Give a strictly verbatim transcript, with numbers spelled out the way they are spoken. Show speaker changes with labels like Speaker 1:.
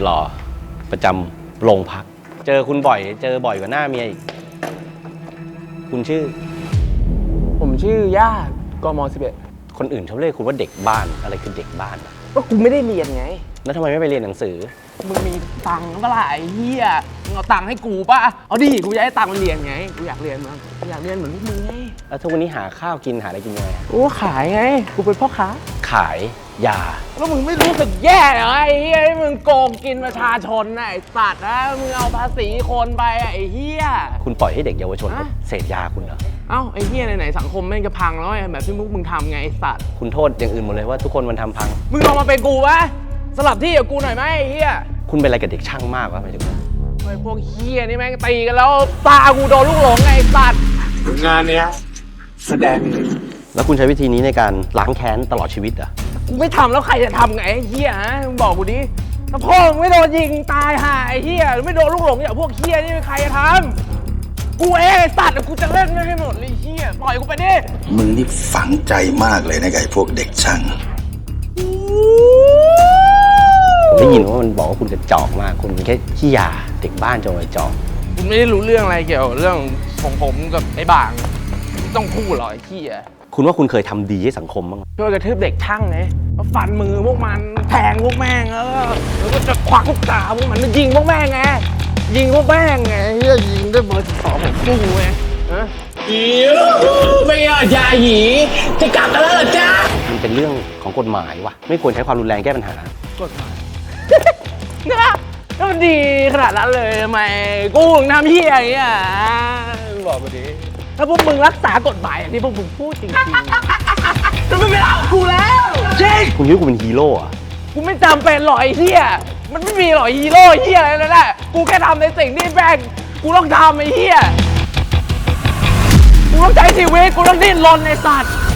Speaker 1: หล่อประจำโรงพักเจอคุณบ่อยเจอบ่อยกว่าหน้าเมียอีกคุณชื่อ
Speaker 2: ผมชื่อญาติกมสิบเอ็ด
Speaker 1: คนอื่นเขาเรียกคุณว่าเด็กบ้านอะไรคือเด็กบ้าน
Speaker 2: ก็กูไม่ได้เรียนไง
Speaker 1: แล้วทำไมไม่ไปเรียนหนังสือ
Speaker 2: มึงมีตังค์เปล่าไอ้เหี้ยมึงเอาตังค์ให้กูป่ะเอาดิกูจะให้ตังค์มันเรียนไงกูอยากเรียนมั้งกูอยากเรียนเหมือนพวกมึงไง
Speaker 1: แล้วทุกวันนี้หาข้าวกินหาอะไรกินยังไง
Speaker 2: กูขายไงกูเป็นพ่อค้า
Speaker 1: ขายยา
Speaker 2: แล้วมึงไม่รู้สึกแย่เหรอไอ้เหี้ยที่มึงโกงกินประชาชนน่ะไอ้สัตว์นะมึงเอาภาษีคนไปไอ้เหี้ย
Speaker 1: คุณปล่อยให้เด็กเยาวชนเสพยาคุณเหรอ
Speaker 2: เอ้าไอ้เหี้ยไหนๆสังคมแม่งจะพังแล้วแบบที่พวกมึงทำไงไอ้สัตว์
Speaker 1: คุณโทษอย่างอื่นหมดเลยว่าทุกคนมันทำพัง
Speaker 2: มึงลองมาเป็นกูวะสลับที่กับกูหน่อยไหมไอ้เหี้ย
Speaker 1: คุณเป็นอะไรกับเด็กช่างมากวะหมายถึง
Speaker 2: ไอ้พวกเหี้ยนี่แม่งตีกันแล้วตากูโดนลูกหลงไงไอ้สัตว์
Speaker 3: งานเนี้ยแสดง
Speaker 1: แล้วคุณใช้วิธีนี้ในการล้างแค้นตลอดชีวิตเหรอ
Speaker 2: กูไม่ทำแล้วใครจะทำไงไอ้เหี้ยฮะมึงบอกกูดิถ้าพ่อมึงไม่โดนยิงตายห่าไอ้เหี้ยหรือไม่โดนลูกหลงอย่างพวกเหี้ยนี่ใครจะทำกูเองไอ้สัตว์กูจะเล่นไม่ให้หมดเลยเหี้ยปล่อยกูไปดิ
Speaker 3: มึงนี่ฝังใจมากเลยนะไอ้พวกเด็กช่าง
Speaker 1: ได้ยินว่ามันบอกว่าคุณกระจอกมากคุณเป็นแค่ขี้ยาเด็กบ้านจงกระจอก
Speaker 2: คุณไม่ได้รู้เรื่องอะไรเกี่ยวกับเรื่องของผมกับไอ้บางไม่ต้องพูดหรอกไอ้ขี้อ่ะ
Speaker 1: คุณว่าคุณเคยทำดีให้สังคมบ้าง
Speaker 2: ช่วยกระทืบเด็กช่างไงฟันมือพวกมันแทงพวกแม่งแล้วแล้วก็จะควักลูกตาพวกมันยิงพวกแม่งไงยิงพวกแม่งไงเฮียยิงด้วยเบอร์สิบสองผมสู้ไงฮะอีไม่เอายาหยีจะกลับกันแล้วเหรอจ๊ะ
Speaker 1: มันเป็นเรื่องของกฎหมายวะไม่ควรใช้ความรุนแรงแก้ปัญหาก
Speaker 2: ฎหมายนะแล้วมันดีขนาดนั้นเลยทำไมกูถึงทำเฮียอย่างเงี้ยบอกมาดิถ้าพวกมึงรักษากฎหมายอย่างที่พวกมึงพูดจริงๆจะไม่เป็นเอากูแล้วจริง
Speaker 1: คุณคิดว่ากูเป็นฮีโร่อะ
Speaker 2: กูไม่จำเป็นหรอกไอ้เฮียมันไม่มีหรอกฮีโร่เฮียอะไรนั่นแหละกูแค่ทำในสิ่งที่แม่งกูต้องทำไอ้เฮียกูต้องใช้ชีวิตกูต้องดิ้นรนในสัตว์